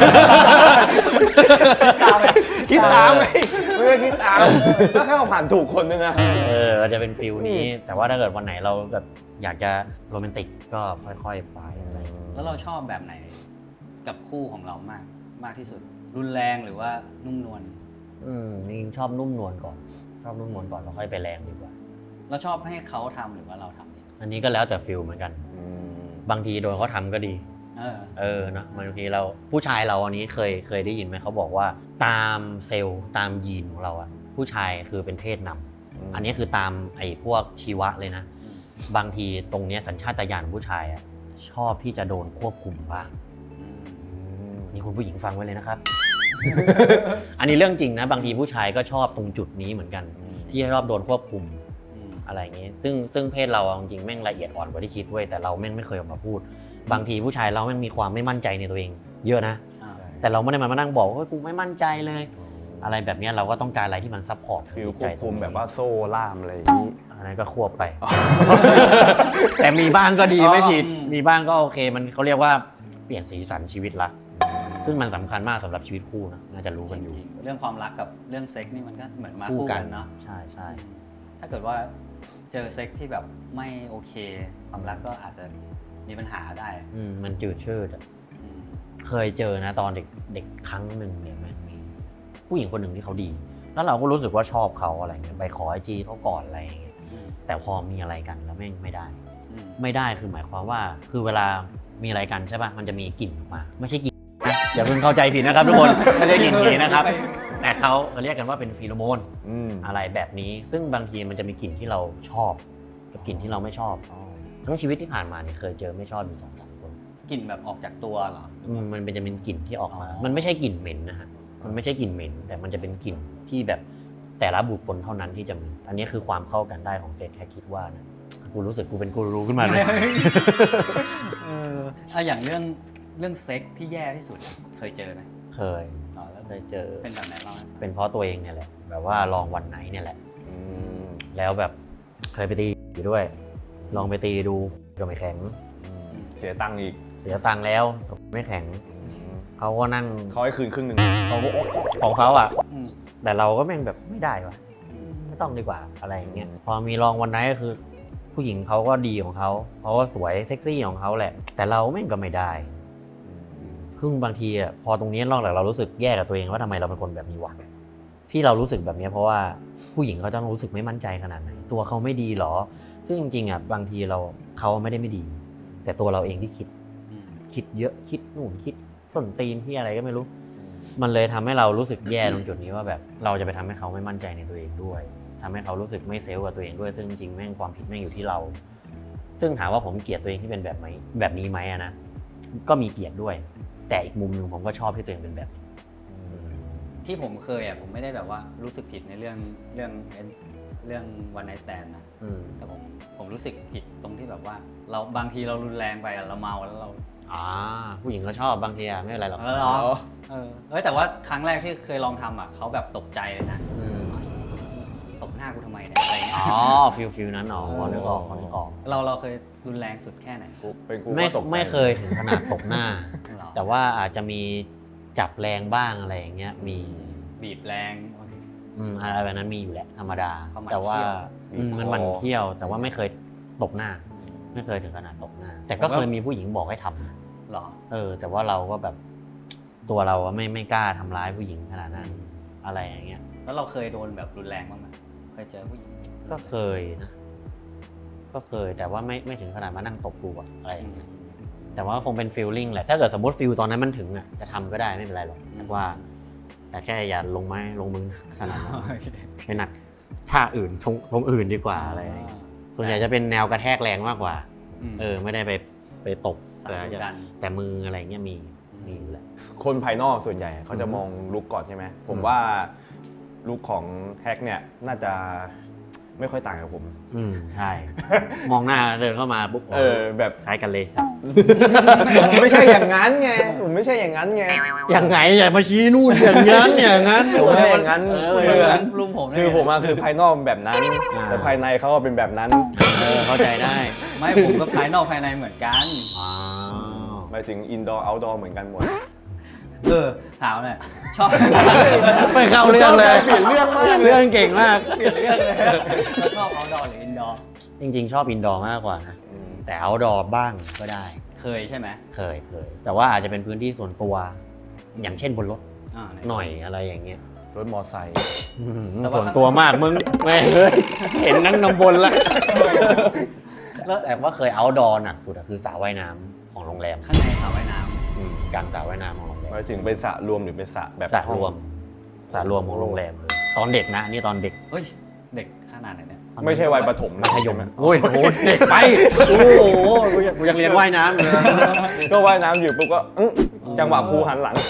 Speaker 3: คิดตามไหมไม่ได้คิดตามแล้วแค่เอาผ่านถูกคนนึงอะ
Speaker 1: เออจะเป็นฟิลนี้ แต่ว่าถ้าเกิดวันไหนเราแบบอยากจะโรแมนติกก็ค่อยๆไปอะไรอย่างเงี้ย
Speaker 2: แล้วเราชอบแบบไหนกับคู่ของเรามากมากที่สุด รุนแรงหรือว่านุ่มนวล
Speaker 1: อืมจริงๆชอบนุ่มนวลก่อน ชอบนุ่มนวลก่อนแล้วค่อยไปแรงดีกว่า
Speaker 2: เราชอบให้เขาทำหรือว่าเราทำเอง
Speaker 1: อันนี้ก็แล้วแต่ฟิลเหมือนกัน บางทีโดนเขาทำก็ดี
Speaker 2: เออ
Speaker 1: เออเนอะบางทีเราผู้ชายเราอันนี้เคยเคยได้ยินไหมเขาบอกว่าตามเซลล์ตามยีนของเราอะผู้ชายคือเป็นเพศนำอันนี้คือตามไอ้พวกชีวะเลยนะ
Speaker 2: อืม
Speaker 1: บางทีตรงเนี้ยสัญชาตญาณของผู้ชายอะชอบที่จะโดนควบคุมบ้าง
Speaker 2: อืม
Speaker 1: นี่คุณผู้หญิงฟังไว้เลยนะครับ อันนี้เรื่องจริงนะ บางทีผู้ชายก็ชอบตรงจุดนี้เหมือนกัน ที่ชอบโดนควบคุม
Speaker 2: อืม
Speaker 1: อะไรอย่างนี้ ซึ่งซึ่งเพศเราเอาจริงๆแม่งละเอียดอ่อนกว่าที่คิดเว้ยแต่เราแม่งไม่เคยออกมาพูด บางทีผู้ชายเราแม่งมีความไม่มั่นใจในตัวเอง เยอะนะ
Speaker 2: อ่า
Speaker 1: แต่เราไม่ได้มามานั่งบอกว่ากูไม่มั่นใจเลย อะไรแบบเนี้ยเราก็ต้องการอะไรที่มันซัพพอร์ต
Speaker 3: ฟิลควบคุมแบบว่าโซ่ล่ามอะไรอย่างนี้
Speaker 1: อันนั้นก็ควบไป แต่มีบ้างก็ดีไม่ผิด
Speaker 2: อืม
Speaker 1: มีบ้างก็โอเค มันเขาเรียกว่าเปลี่ยนสีสันชีวิตละ ซึ่งมันสำคัญมากสำหรับชีวิตคู่นะน่าจะรู้กันอยู่
Speaker 2: จริงๆเรื่องความรักกับเรื่องเซ็กนี่มันก็เหมือนมา
Speaker 1: คู่
Speaker 2: คู่
Speaker 1: กั
Speaker 2: กัน นเนาะ
Speaker 1: ใช่ใช่
Speaker 2: ถ้าเกิดว่าเจอเซ็กที่แบบไม่โอเค ความรักก็อาจจะมีปัญหาได้
Speaker 1: อืมมันจืดชืดอะ
Speaker 2: อืม
Speaker 1: เคยเจอนะตอนเด็กเด็กครั้งหนึ่งเนี่ยมันมีผู้หญิงคนหนึ่งที่เขาดี แล้วเราก็รู้สึกว่าชอบเขาอะไรเงี้ยไปขอไอจีเขาก่อนอะไรอย่างเงี้ย
Speaker 2: อืม
Speaker 1: แต่พอมีอะไรกันแล้วแม่งไม่ได้
Speaker 2: อืม
Speaker 1: ไม่ได้คือหมายความว่าคือเวลามีอะไรกันใช่ป่ะมันจะมีกลิ่นออกมา ไม่ใช่กลิ่นนะอย่าเพิ่งเข้าใจผิดนะครับทุกคน ไม่ใช่กลิ่นผีนะครับ แต่เขาเรียกกันว่าเป็นฟีโรโมน
Speaker 3: อืม
Speaker 1: อะไรแบบนี้ ซึ่งบางทีมันจะมีกลิ่นที่เราชอบกับกลิ่นที่เราไม่ชอบ ทั้งชีวิตที่ผ่านมาเนี่ยเคยเจอไม่ชอบอยู่สองสามคน
Speaker 2: กลิ่นแบบออกจากตัวเหรอ
Speaker 1: อืมมันเป็นจะเป็นกลิ่นที่ออกมา
Speaker 2: อ๋อ
Speaker 1: มันไม่ใช่กลิ่นเหม็นนะฮะมันไม่ใช่กลิ่นเหม็น แต่มันจะเป็นกลิ่นที่แบบแต่ละบุคคลเท่านั้นที่จะมีอันนี้คือความเข้ากันได้ของเซตแค่คิดว่านะกูรู้สึกกูเป็นกูรูขึ้นมาเลย
Speaker 2: เอออะอย่างเรื่องเรื่องเซ็กที่แย่ที่สุดเคยเจอไหม
Speaker 1: เคย
Speaker 2: อ๋อแล้ว
Speaker 1: เคยเจอ
Speaker 2: เป็นแบบไหนเล่าให้ฟัง
Speaker 1: เป็นเพราะตัวเองเนี่ยแหละ แบบว่าลองวันไหนเนี่ยแหละ
Speaker 3: อืม
Speaker 1: แล้วแบบเคยไปตีอยู่ด้วย ลองไปตีดูก็ไม่แข็ง
Speaker 3: อืมเสียตังค์อีก
Speaker 1: เสียตังค์แล้วไม่แข็ง
Speaker 3: อืม
Speaker 1: เขาก็นั่ง
Speaker 3: เขาให้คืนครึ่งหนึ่ง
Speaker 1: เขาก็ของเขาอ่ะ
Speaker 2: อืม
Speaker 1: แต่เราก็แม่งแบบไม่ได้วะไม่ต้องดีกว่าอะไรอย่างเงี้ยพอมีลองวันไหนก็คือ ผู้หญิงเขาก็ดีของเขาเขาก็สวยเซ็กซี่ของเขาแหละ แต่เราแม่งก็ไม่ได้ซึ่งบางทีอ่ะพอตรงนี้นอกจากเรารู้สึกแย่กับตัวเองว่าทำไมเราเป็นคนแบบนี้วะที่เรารู้สึกแบบนี้เพราะว่าผู้หญิงเขาจะต้องรู้สึกไม่มั่นใจขนาดไหนตัวเขาไม่ดีหรอ ซึ่งจริงๆอ่ะบางทีเราเขาไม่ได้ไม่ดี แต่ตัวเราเองที่คิด
Speaker 2: อืม
Speaker 1: คิดเยอะคิดนู่นคิดส้นตีนที่อะไรก็ไม่รู้ มันเลยทำให้เรารู้สึกแย่ตรงจุดนี้ว่าแบบเราจะไปทำให้เขาไม่มั่นใจในตัวเองด้วยทำให้เขารู้สึกไม่เซลล์กับตัวเองด้วยซึ่งจริงๆแม่งความผิดแม่งอยู่ที่เรา ซึ่งถามว่าผมเกลียดตัวเองที่เป็นแบบไหมแบบนี้ไหมอะนะก็มีเกลียดด้วย แต่อีกมุมหนึ่งผมก็ชอบที่ตัวเองเป็นแบบนี้
Speaker 2: ที่ผมเคยอ่ะผมไม่ได้แบบว่ารู้สึกผิดในเรื่องเรื่องเรื่อง one night stand นะ
Speaker 1: อืม
Speaker 2: แต่ผมผมรู้สึกผิดตรงที่แบบว่า เราบางทีเรารุนแรงไปอะเราเมาแล้วเรา
Speaker 1: อ่าผู้หญิงก็ชอบบางทีอะไม่เป็นไรหรอก
Speaker 2: เออเหรอเออเอ้ยแต่ว่าครั้งแรกที่เคยลองทำอ่ะเขาแบบตกใจเลยนะ
Speaker 1: อืม
Speaker 2: ตบหน้าน้ากูทำไมเนี่ยอะไรเงี้ย
Speaker 1: อ๋อฟิลฟิลนั้นอ๋อพอนึกออกพอนึกออก
Speaker 2: เราเราเคยรุนแรงสุดแค่ไหน
Speaker 3: กูเป็นกู
Speaker 1: ไม่
Speaker 3: ก็ตกใจ
Speaker 1: ไม่เคยถึงขนาดตบหน้า
Speaker 2: หรอ
Speaker 1: แต่ว่าอาจจะมีจับแรงบ้างอะไรอย่างเงี้ยมี
Speaker 2: บีบแรง
Speaker 1: อืมอะไรแบบนั้นมีอยู่แหละธรรมดา
Speaker 2: เขาหมั่น
Speaker 1: แต่ว่า
Speaker 2: เขี้ยว
Speaker 1: อืมมันหมันเที่ยว แต่ว่าไม่เคยตบหน้า ไม่เคยถึงขนาดตบหน้า แต่ก็เคยมีผู้หญิงบอกให้ทำนะ
Speaker 2: หรอ
Speaker 1: เออ แต่ว่าเราก็แบบตัวเราอะไม่ไม่กล้าทำร้ายผู้หญิงขนาดนั้นอะไรอย่างเงี้ย
Speaker 2: แล้วเราเคยโดนแบบรุนแรงบ้างไหมเคยเจอผู้หญิง
Speaker 1: ก็เคยนะ ก็เคยแต่ว่าไม่ไม่ถึงขนาดมานั่งตบกูอะอะไรอย่างเงี้ย แต่ว่าคงเป็นฟีลลิ่งแหละ ถ้าเกิดสมมติฟีลตอนนั้นมันถึงอ่ะ จะทำก็ได้ไม่เป็นไรหรอกแต่ว่า แต่แค่อย่าลงไม้ลงมือขนาดนั้นไม่หนักท่าอื่นทงทงอื่นดีกว่าอะไรอย่างเงี้ยส่วนใหญ่จะเป็นแนวกระแทกแรงมากกว่า
Speaker 2: ม
Speaker 1: เออ ไม่ได้ไปไปตบ
Speaker 2: สั
Speaker 1: แต่
Speaker 2: ง
Speaker 1: จะ
Speaker 2: กัน
Speaker 1: แต่มืออะไรเงี้ยมีมีอยู่แหละ
Speaker 3: คนภายนอกส่วนใหญ่เขาจะมองลุคก่อนใช่ไหมผมว่าลุคของแฮกเนี่ยน่าจะไม่ค่อยต่างกับผม
Speaker 1: อืมใช่ มองหน้าเดินเข้ามาปุ๊บ
Speaker 3: เออแบบ
Speaker 1: คล้ายกันเลยสัก
Speaker 3: ผมไม่ใช่อย่างนั้นไงผมไม่ใช่อย่างนั้นไง
Speaker 1: อย่างไงอย่ามาชี้นู่นอย่างนั้นอย่างนั้น
Speaker 3: ผมไม่ใช่อย่างนั้น
Speaker 1: เออ
Speaker 3: คือ
Speaker 2: ลุงผมเนี่ย
Speaker 3: คือผมอะคือภายนอกแบบนั้น
Speaker 1: อ่า
Speaker 3: แต่ภายในเขาอะเป็นแบบนั้น
Speaker 1: เออเข้าใจได้
Speaker 2: ไม่ผมก็ภายนอกภายในเหมือนกัน
Speaker 1: อ๋อ
Speaker 3: หมายถึงอินดอร์เอาท์ดอร์เหมือนกันหมด
Speaker 2: เออถามหน่อยชอบ
Speaker 1: ไม่เข้าเรื่องเลย
Speaker 3: เปลี่ยนเรื่องมากเลย
Speaker 1: เรื่องเก่งมาก
Speaker 2: เปลี่ยนเรื่องเลยเราชอบเอาดอร์หรืออินดอร์
Speaker 1: จริงๆ ชอบอินดอร์มากกว่านะ แต่เอาดอร์บ้างก็ได้
Speaker 2: เคยใช่ไหม
Speaker 1: เคยเคย แต่ว่าอาจจะเป็นพื้นที่ส่วนตัว อย่างเช่นบนรถ
Speaker 2: อ่าไห
Speaker 1: หน่อยอะไรอย่างเงี้ย
Speaker 3: รถมอไซค์
Speaker 1: อืม
Speaker 2: แต่ว่า
Speaker 1: ส่วนตัวมากมึงแม่งเอ้ยเห็นนั่งนำบนละ
Speaker 2: แล้ว
Speaker 1: แต่ว่าเคยเอาดอร์หนักสุดอะคือสระว่ายน้ำของโรงแรม
Speaker 2: ข้างในสระว่ายน้
Speaker 1: อืมกลางสระว่ายน้ำของโรงแร
Speaker 3: ห
Speaker 1: ม
Speaker 3: มายถึงเป็นสระรวมหรือเป็นสระแบบ
Speaker 1: สระรวมสระรวมของโรงแรมเลยตอนเด็กนะนี่ตอนเด็ก
Speaker 2: ำเฮ้ยเด็กขนาดไหนเนี่ย
Speaker 3: ไม่ใช่วัยประถมนะ
Speaker 1: มัธยมโอ้ยโหเด็กไปโอ้โหกูยังกูยังเรียนว่ายน้ำอยู่เลย
Speaker 3: ก็ว่ายน้ำอยู่ปุ๊บก็อื้อจังหวะครูหันหลัง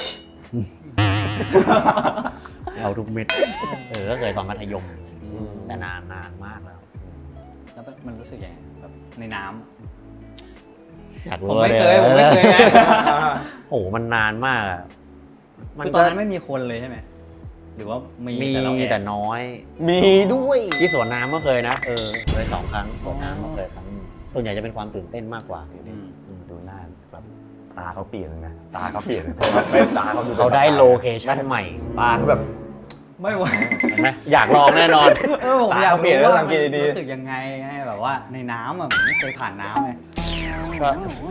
Speaker 1: เอาทุกเม็ดเออก็เคยตอนมัธยม
Speaker 2: อืม
Speaker 1: แต่นานนานมากแล้ว
Speaker 2: แล้วมันรู้สึกยังไงแบบในน้ำ
Speaker 1: อยาก
Speaker 2: ผม
Speaker 1: รู้
Speaker 2: ไม่เค
Speaker 1: เลย
Speaker 2: ผมไม่เคยไง
Speaker 1: โอ้โหมันนานมากอะ
Speaker 2: คือตอนนั้นไม่มีคนเลยใช่ไหมหรือว่ามี
Speaker 1: มี
Speaker 2: แต่เราแอบ
Speaker 1: แต่น้อย
Speaker 3: มีด้วย
Speaker 1: ที่สวนน้ำก็เคยนะเออเคยสองครั้งสวนน้ำก็เคยครั้งหนึ่งส่วนใหญ่จะเป็นความตื่นเต้นมากกว่า
Speaker 2: อืม
Speaker 1: อืม
Speaker 3: ดูหน้าแบบตาเขาเปลี่ยนเลยนะตาเขาเปลี่ยนเลยไม่ตาเขาดู
Speaker 1: เขาได้โลเคชั่นใหม่
Speaker 3: ตาเขาแบบ
Speaker 2: ไม่ไหว
Speaker 1: เห็นไหมอยากลองแน่นอน
Speaker 2: เออผม
Speaker 3: ตา
Speaker 2: อยาก
Speaker 3: เขาเปลี่ยน
Speaker 2: รู้
Speaker 3: แล้ว
Speaker 2: ว่า
Speaker 3: สังเกตดีๆ
Speaker 2: รู้สึกยังไงให้แบบว่าในน้ำอ่ะผมไม่เคยผ่านน้ำไง
Speaker 1: ก็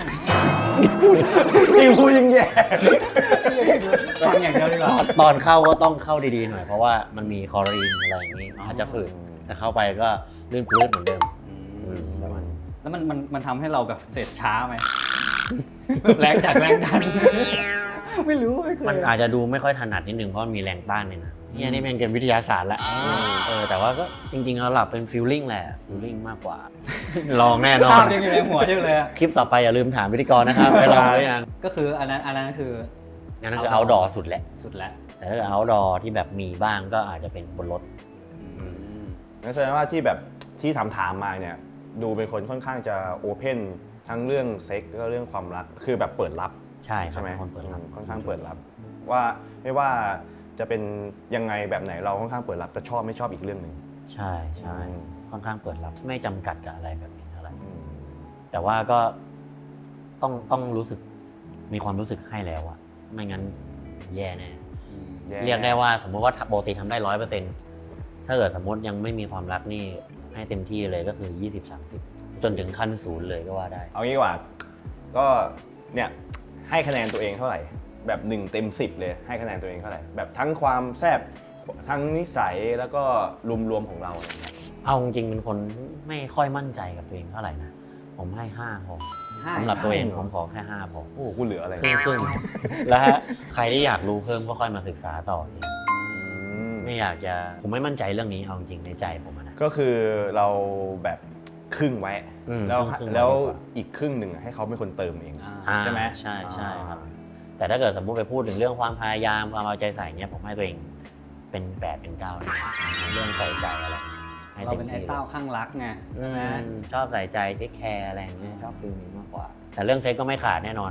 Speaker 3: ยิ่งพูดยิ่งแย่
Speaker 2: ฟังอย่างเดียวดีกว่า
Speaker 1: ตอนเข้าก็ต้องเข้าดีๆหน่อยเพราะว่ามันมีคลอรีนอะไรอย่างนี้อาจจะฝืนแต่เข้าไปก็ลื่นปลื้ดเหมือนเดิม อืมประมาณ
Speaker 2: แล้วมันมันมันทำให้เราแบบเสร็จช้าไหมแบบแรงจากแรงดัน ไม่รู้ไม่เคย
Speaker 1: มันอาจจะดูไม่ค่อยถนัดนิดนึงเพราะมันมีแรงต้านเนี่ยนะเนี่ยนี่แม่งเป็นวิทยาศาสตร์ละเออแต่ว่าก็จริงๆแล้วหลับเป็นฟิลลิ่งแหละฟิลลิ่งมากกว่า ลองแน่นอ
Speaker 2: ภาน พยังอยู่ในหัวอยู่เลยอะ
Speaker 1: คลิปต่อไปอย่าลืมถามพิธีกรนะครับไปลองหรือยัง
Speaker 2: ก็คืออันนั้นอันนั้นคือ
Speaker 1: อันนั้นคือ outdoor สุดแหละ
Speaker 2: สุดแล้ว
Speaker 1: แต่ถ้าเกิด outdoor ที่แบบมีบ้างก็อาจจะเป็นบนรถ
Speaker 3: งั้นแสดงว่าที่แบบที่ถามถามๆมาเนี่ยดูเป็นคนค่อนข้างจะโอเพนทั้งเรื่องเซ็กแล้วก็เรื่องความรักคือแบบเปิดรับ
Speaker 1: ใช่ครั
Speaker 3: ใช่
Speaker 1: บ
Speaker 3: ไหม
Speaker 1: เป็นคนเปิดรับ
Speaker 3: ค่อนข้างเปิดรับ ว่าไม่ว่าจะเป็นยังไงแบบไหนเราค่อนข้างเปิดรับจะชอบไม่ชอบอีกเรื่องหนึ่ง
Speaker 1: ใช่ใช่
Speaker 3: อืม
Speaker 1: ค่อนข้างเปิดรับไม่จำกัดกับอะไรแบบนี้เท่าไหร่
Speaker 3: อืม
Speaker 1: แต่ว่าก็ต้องต้องรู้สึกมีความรู้สึกให้แล้วอะไม่งั้นแย่แน่
Speaker 3: แย่
Speaker 1: เรียกได้ว่าสมมติว่าปกติทำได้ร้อยเปอร์เซ็นต์ถ้าเกิดสมมติยังไม่มีความรักนี่ให้เต็มที่เลยก็คือยี่สิบสามสิบจนถึงขั้นศูนย์เลยก็ว่าได้
Speaker 3: เอางี้ดีกว่าก็เนี่ยให้คะแนนตัวเองเท่าไหร่ แบบหนึ่งเต็มสิบเลยให้คะแนนตัวเองเท่าไหร่แบบทั้งความแซ่บทั้งนิสัยแล้วก็รวมๆของเราอะไรเงี้ย
Speaker 1: เอาจริงๆเป็นคนไม่ค่อยมั่นใจกับตัวเองเท่าไหร่นะผมให้ห้าพอ
Speaker 2: ห้า
Speaker 1: สำหรับตัวเอง
Speaker 3: ห้าเหรอ
Speaker 1: ผมขอแค่ห้าพอ
Speaker 3: โอ้โหกูเหลืออะไร
Speaker 1: ครึ่งครึ่งๆแล้วใครที่อยากรู้เพิ่มก็ค่อยมาศึกษาต่อเอง
Speaker 3: อืม
Speaker 1: ไม่อยากจะผมไม่มั่นใจเรื่องนี้เอาจริงๆในใจผมอะนะ
Speaker 3: ก็คือเราแบบครึ่งไว้
Speaker 1: อืม
Speaker 3: แล้ว
Speaker 1: ครึ่งๆ
Speaker 3: แล้ว
Speaker 1: ไว้ดีกว่า
Speaker 3: อีกครึ่งหนึ่งให้เขาเป็นคนเติมเอง
Speaker 2: อ่า
Speaker 1: อ่า
Speaker 3: ใช่ไหม
Speaker 1: ใช่ใช่ครับ
Speaker 3: อ่า
Speaker 1: แต่ถ้าเกิดสมมุติไปพูดถึงเรื่องความพยายามความเอาใจใส่เนี้ยผมให้ตัวเองเป็นแปดเป็นเก้าเลยเรื่องใส่ใจอะไรให้
Speaker 2: เรา
Speaker 1: ต็ม
Speaker 2: เป็นไอ้
Speaker 1: ที่ลย
Speaker 2: เต้าข้างรักไง
Speaker 1: อื
Speaker 2: ใช่ไหม
Speaker 1: มชอบใส่ใจเทคแคร์อะไรอย่างเงี้ยชอบฟิลนี้มากกว่า แต่เรื่องเซ็กก็ไม่ขาดแน่นอนอ่ะ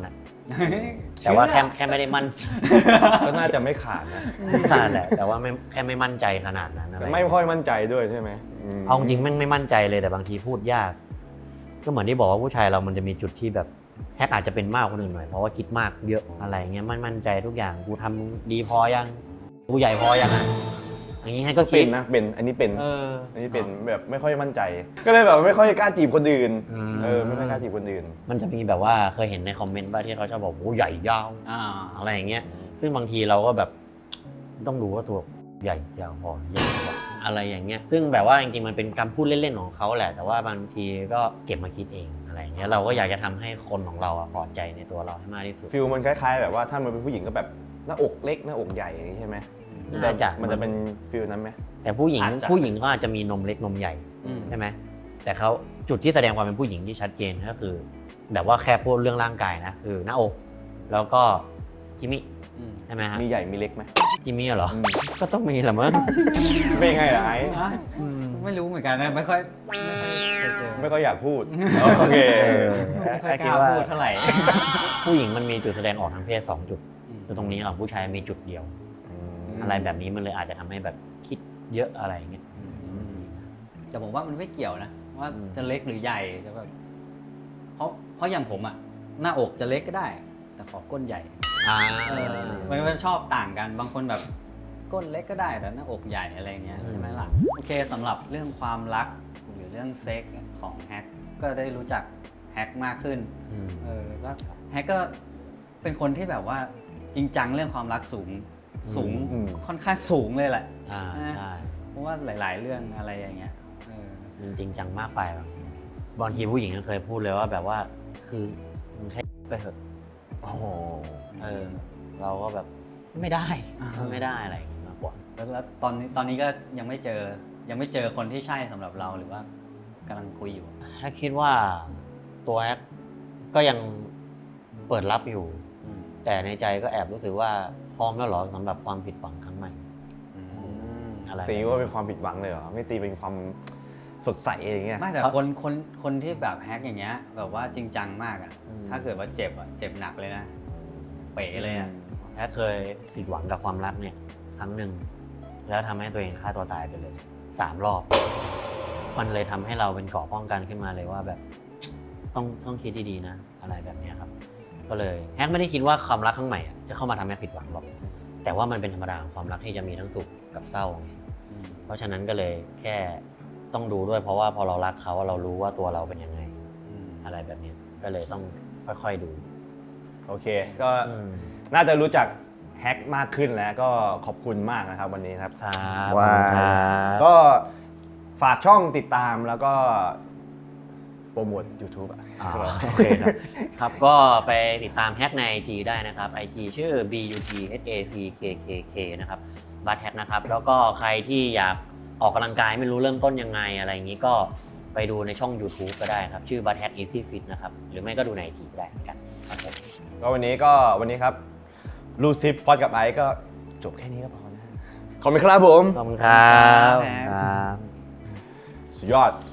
Speaker 1: แต่ว่าแค่แค่ไม่ได้มั่น
Speaker 3: ก็น่าจะไม่ขาดนะ
Speaker 1: ขนาดแหละแต่ว่าไม่แค่ไม่มั่นใจขนาดนั้นอะไร
Speaker 3: ไม่ค่อยมั่นใจด้วยใช่ไหมม
Speaker 1: เอาจริงๆแม่งไม่มั่นใจเลยแต่บางทีพูดยาก ก็เหมือนที่บอกว่าผู้ชายเรามันจะมีจุดที่แบบแฮกอาจจะเป็นมากกว่าคนอื่นหน่อยเพราะว่าคิดมากเยอะอะไรเงี้ยไม่มั่นใจทุกอย่างกูทำดีพอยังกูใหญ่พอยังอ่ะอย่างงี้ให้ก็
Speaker 3: เป็
Speaker 1: คิ
Speaker 3: น
Speaker 1: ด
Speaker 3: นะเป็นอันนี้เป็น
Speaker 1: เออ
Speaker 3: อันนี้เป็นแบบไม่ค่อยมั่นใจ ก็เลยแบบไม่ค่อยกล้าจีบคนอื่น
Speaker 1: อืม
Speaker 3: เออไม่ค่อยกล้าจีบคนอื่น
Speaker 1: มันจะมีแบบว่าเคยเห็นในคอมเมนต์ป่ะที่เขาชอบบอกโอ้ใหญ่ยาว
Speaker 2: อ่า
Speaker 1: อะไรอย่างเงี้ยซึ่งบางทีเราก็แบบต้องดูว่าตัวใหญ่ยาวพอใหญ่พออะไรอย่างเงี้ยซึ่งแบบว่าจริงๆมันเป็นคำพูดเล่นๆของเขาแหละ แต่ว่าบางทีก็เก็บมาคิดเองอะไรอย่างเงี้ยเราก็อยากจะทำให้คนของเราอะพอใจในตัวเราให้มากที่สุด
Speaker 3: ฟิลมันคล้ายๆ แบบว่าถ้ามันเป็นผู้หญิงก็แบบหน้าอกเล็กหน้าอกใหญ่อย่างนี้ใช่ไหม
Speaker 1: น่าจะ
Speaker 3: มันจะเป็นฟิลนั้นไหม
Speaker 1: แต่ผู้หญิง
Speaker 2: อาจจะ
Speaker 1: ผู้หญิงก็อาจจะมีนมเล็กนมใหญ่
Speaker 2: อืม
Speaker 1: ใช่ไหมแต่เขาจุดที่แสดงความเป็นผู้หญิงที่ชัดเจนก็คือ แบบว่าแค่พูดเรื่องร่างกายนะคือหน้าอก แล้วก็จิมมี่
Speaker 2: อืม
Speaker 1: ใช่ไหมฮะ
Speaker 3: มีใหญ่มีเล็กไหม
Speaker 1: จิมมี่เหรอ
Speaker 3: อืม
Speaker 1: ก็ต้องมีแหละมั้ง
Speaker 3: เป็นไงล่ะไอ้
Speaker 2: อ่ะไม่รู้เหมือนกันนะไม่ค่อยไม่ค่อยเคยเจอ
Speaker 3: ไม่ค่อยอยากพูด โอเค
Speaker 2: ไม่ค่อยกล้าพูดเท่าไหร่
Speaker 1: ผู้หญิงมันมีจุดแสดงออกทางเพศสองจุดคือตรงนี้ของผู้ชายมีจุดเดียว อะไรแบบนี้มันเลยอาจจะทำให้แบบคิดเยอะอะไรอย่างเงี้ย
Speaker 2: แต่ผมว่ามันไม่เกี่ยวนะว่า
Speaker 1: อืม
Speaker 2: จะเล็กหรือใหญ่จะแบบเพราะเพราะอย่างผมอะหน้าอกจะเล็กก็ได้ แต่ขอก้นใหญ่
Speaker 1: อ่า
Speaker 2: เออมันมันชอบต่างกันบางคนแบบก้นเล็กก็ได้แต่หน้าอกใหญ่อะไรเงี้ยใช่ไหมล่ะโอเคสำหรับเรื่องความรักหรือเรื่องเซ็กของแฮกก็ได้รู้จักแฮกมากขึ้น
Speaker 1: อืม
Speaker 2: เออแล้วแฮกก็เป็นคนที่แบบว่าจริงจังเรื่องความรักสูงสูง
Speaker 3: อืม
Speaker 2: ค่อนข้างสูงเลยแหละ
Speaker 1: อ่าใช่
Speaker 2: เพราะว่าหลาย ๆ เรื่องอะไรอย่างเงี้ยเออ
Speaker 1: มันจริงจังมากไปบางทีบางทีผู้หญิงก็เคยพูดเลยว่าแบบว่าคือมึงแค่ไปเถอะ
Speaker 3: โอ้โห
Speaker 1: เออ เราก็แบบไม่ได้ไม่ได้อะไรอย่างเงี้ยมากกว่า
Speaker 2: แล้วแล้วตอนนี้ตอนนี้ก็ยังไม่เจอยังไม่เจอคนที่ใช่สำหรับเราหรือว่ากำลังคุยอยู่
Speaker 1: ถ้าคิดว่าตัวแอคก็ยังเปิดรับอยู่
Speaker 2: อืม
Speaker 1: แต่ในใจก็แอบรู้สึกว่าพร้อมแล้วเหรอสำหรับความผิดหวังครั้งใหม่
Speaker 2: อืม
Speaker 1: อะไร
Speaker 3: ตีว่าเป็นความผิดหวังเลยเหรอ ไม่ตีเป็นความสดใสอย่างเงี้ย
Speaker 2: ไม่แต่คนคนคนที่แบบแฮกอย่างเงี้ยแบบว่าจริงจังมากอ่ะ
Speaker 1: อืม
Speaker 2: ถ้าเกิดว่าเจ็บอ่ะเจ็บหนักเลยนะเป๋เลยอ่ะ
Speaker 1: แอคเคยผิดหวังกับความรักเนี่ย ครั้งหนึ่งแล้วทำให้ตัวเองฆ่าตัวตายไปเลยสามรอบ มันเลยทำให้เราเป็นเกราะป้องกันขึ้นมาเลยว่าแบบ ต้องต้องคิดดีๆนะ อะไรแบบเนี้ยครับ ก็เลยแฮกไม่ได้คิดว่าความรักครั้งใหม่อะจะเข้ามาทำให้ผิดหวังหรอก แต่ว่ามันเป็นธรรมดาของความรักที่จะมีทั้งสุขกับเศร้าไง
Speaker 2: อืม
Speaker 1: เพราะฉะนั้นก็เลยแค่ต้องดูด้วยเพราะว่าพอเรารักเขาเรารู้ว่าตัวเราเป็นยังไง
Speaker 2: อืม
Speaker 1: อะไรแบบเนี้ยก็เลยต้องค่อยๆดู
Speaker 3: โอเค ก็
Speaker 1: อืม
Speaker 3: น่าจะรู้จักแฮกมากขึ้นแล้วก็ขอบคุณมากนะครับวันนี้ครับ
Speaker 1: ครับ
Speaker 3: ว่า
Speaker 1: ขอบคุณครับ
Speaker 3: ก็ฝากช่องติดตามแล้วก็โปรโมท YouTube อ่ะ
Speaker 1: อ่าโอเคครับ ครับก็ไปติดตามแฮกใน ไอ จี ได้นะครับ ไอ จี ชื่อ บี ยู ที เอช เอ ซี เค เค เค นะครับบัตแฮกนะครับ แล้วก็ใครที่อยากออกกำลังกายไม่รู้เริ่มต้นยังไงอะไรอย่างนี้ก็ไปดูในช่อง YouTube ก็ได้ครับ ชื่อบัตแฮก Easy Fit นะครับ หรือไม่ก็ดูใน ไอ จี ได้เหมือนกันครับผม
Speaker 3: ก็วันนี้ก็วันนี้ครับลูซิปพอดกับไอซ์ก็จบแค่นี้ก็พอนะ ขอบคุณครับผม
Speaker 1: ขอบคุณครับ
Speaker 2: ครับ
Speaker 1: ครับ
Speaker 3: สุดยอด